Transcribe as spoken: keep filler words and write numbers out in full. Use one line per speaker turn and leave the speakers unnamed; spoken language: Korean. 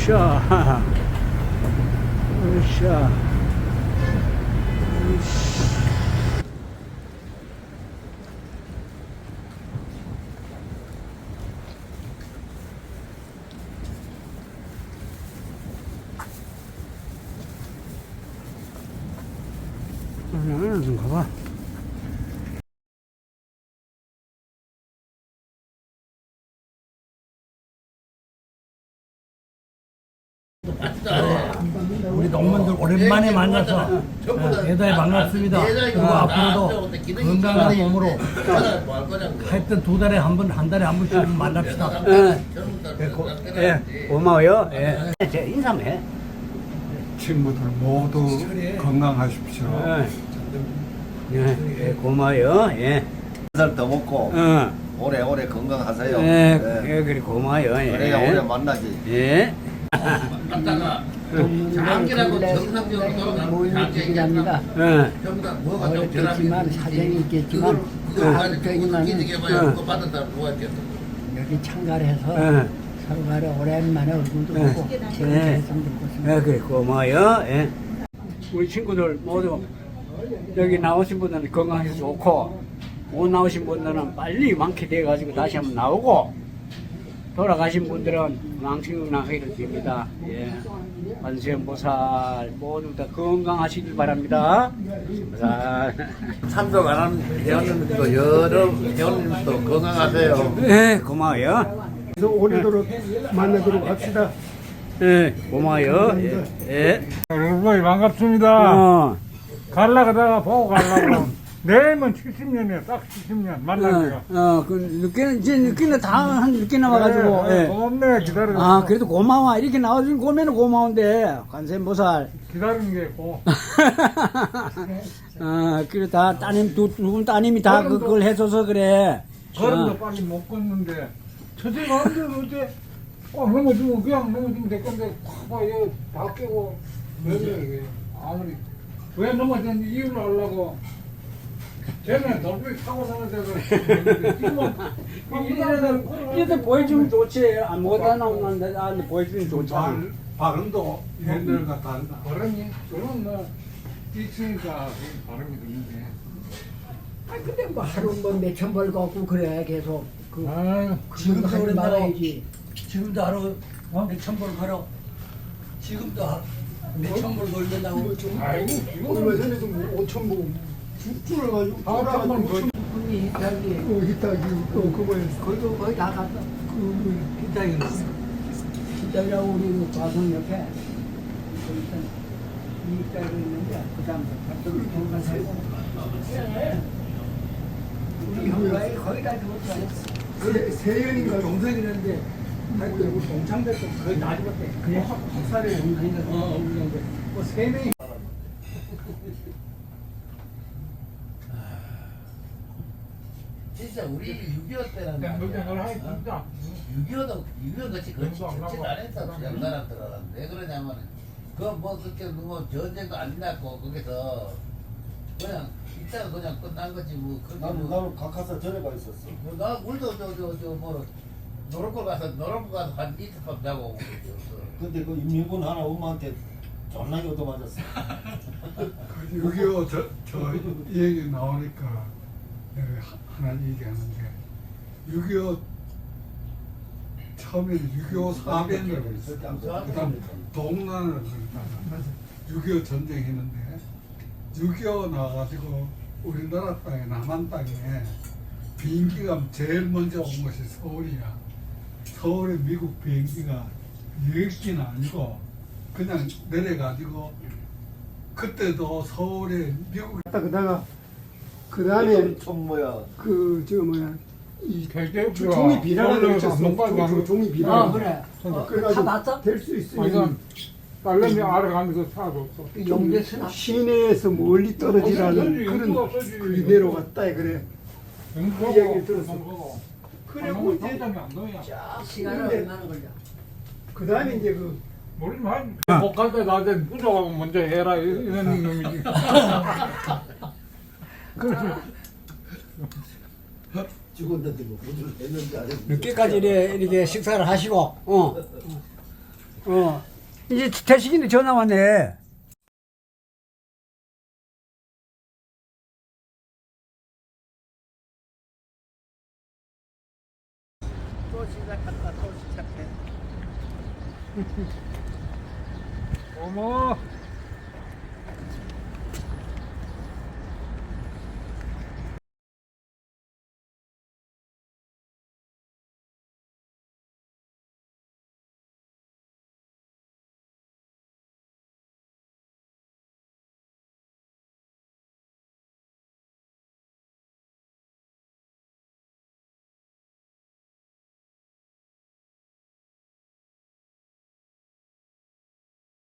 으쌰. 으쌰. 응, 가봐.
우리 농민들 오랜만에 만나서 대단히 반갑습니다. 그리고 앞으로도 건강한 몸으로 하여튼 두 달에 한 번, 한 달에 한 번씩 만납시다.
예, 고, 예, 고마워요. 예. 제 인사해.
친구들 모두 건강하십시오.
예, 예, 고마워요. 예.
한 살 더 먹고
어,
오래오래 건강하세요.
예,
네.
예, 그래, 고마워요.
그래야
예.
오래 만나지.
예.
갔다가 장기라고 정상적으로 돌아가면 장기입니다.
예.
전부 다 뭐가 좀
어렵겠지만 사정이 있겠지만
그걸
아,
가지고
저기는
기득해봐야 그거 받은 사람 누가 있겠어.
여기 참가를 해서
예.
서로 간에 오랜만에 얼굴도
예.
보고
예.
재미있었던
예, 그래, 고마워요. 예. 우리 친구들 모두 여기 나오신 분들은 건강해서 좋고, 못 나오신 분들은 빨리 완쾌돼가지고 다시 한번 나오고, 돌아가신 분들은 망신나기를 빕니다. 예. 관세음보살 모두 다 건강하시길 바랍니다. 보살.
참석 안 하는 회원님도 여러 회원님도 건강하세요.
예, 고마워요.
그래서 오래도록 만나도록 합시다.
예, 고마워요. 예. 예.
여러분 반갑습니다.
어.
갈라 그다가 보고 가려고. 내일은 칠십 년이에요. 딱 칠십 년 만나기가.
어, 어, 그 늦게는 이제 늦게는 다 한 늦게 나와가지고.
네,
예.
고맙네 기다려.
아, 그래도 고마워. 이렇게 나와준 거면 고마운데, 관세음보살.
기다리는 게 고.
아, 그래, 다 따님, 두, 두 분 따님이 다 그- 그걸 해줘서 그래.
걸음도
어.
빨리 못 걷는데. 저새가 안 돼도 어째 꽉 넘어지면 그냥 넘어지면 될 건데 꽉 이거 다 깨고 왜 그래 이게. 아무리 왜 넘어졌는지 이유를 알려고. 쟤는 돌비 타고 사는데도 지금은
이래들, 이래들 보여주면 좋지. 아무것도 안 나오는데, 아, 근데 보여주면 좋잖아.
발, 발음도 옛날과 다르다.
발음이 저는 뭐 있으니까 발음이 듣는데.
아 근데 뭐 하루 뭐 몇천 벌 걷고 그래 계속 그
아유
지금도 하지 말아야지.
지금도 하루 몇천 불 걸어. 지금도 하루 몇천 불 걸린다고.
아이고 지금
얼마 전에도 뭐 오천 보 죽줄을 가지고
한번 더.
분이 저기
그 히타기 또 그거에
거기도 거의 다 갔다.
그
기다리는
기다리라고 우리 그 과성 옆에 거기서 이익자가 있는데 그 다음 저기 동간 살고 우리 형과이 거의 다 그것도
세- 세연인가
동생이는데 하여튼 우리 동창들도 거의 다 죽었대.
그래?
박사를 동생인데 어 우리는데 뭐세 명이.
진짜 우리 육이오 때는
그냥 너희
말이야.
널 하기 진짜.
육이오도 육이오 같이 그렇지
영도 안
그렇지
나와.
안 했어 그냥 사람들은 왜 그러냐면 그뭐 그렇게 뭐 전쟁도 안 났고 거기서 그냥 이따가 그냥 끝난 거지 뭐 그게
나는
뭐
나는 각하사 전에 가 있었어.
뭐 나 우리도 저저저뭐 노릇골 가서 노릇골 가서 한 이틀 밤 자고 오고 그랬어.
근데 그 인민군 하나 엄마한테 존나게 얻어맞았어.
육이오 저, 저 얘기 나오니까 내가 하나 얘기하는데 육이오 처음에는 육이오 사변이라고 있었어. 그다음 동란을 그랬다가 육이오 전쟁했는데 육이오 나와가지고 우리나라 땅에 남한 땅에 비행기가 제일 먼저 온 것이 서울이야. 서울에 미국 비행기가 여객기는 아니고 그냥 내려가지고 그때도 서울에 미국 갔다 그다가 그 다음에
좀 뭐야.
그 저 뭐야 이
대대
조- 종이 비라라고
서울에서
있었어.
안동까지 가는
조- 종이 비라.
아 그래. 어,
그래가지고
다 봤어?
될 수
아니
있으면
딸내미 알아가면서 사줬어.
용대스나
시내에서 멀리 떨어지라는
없어지,
그런
없어지.
그게 내려갔다 그래.
그
이야기를 들었어. 그리고 이제
당장이 안 넣어야.
시간은
근데-
얼마나 걸려?
그 다음에 이제 그
모르지만 못갈 때 나한테 부족하고 먼저 해라 이- 이런 놈이지. 그래서
죽었는데 뭐 군주를 했는지 안 했는지.
늦게까지 이렇게, 이렇게 식사를 하시고, 어. 어. 이제 태식이네 전화 왔네.
또 시작한다 또 시작해
어머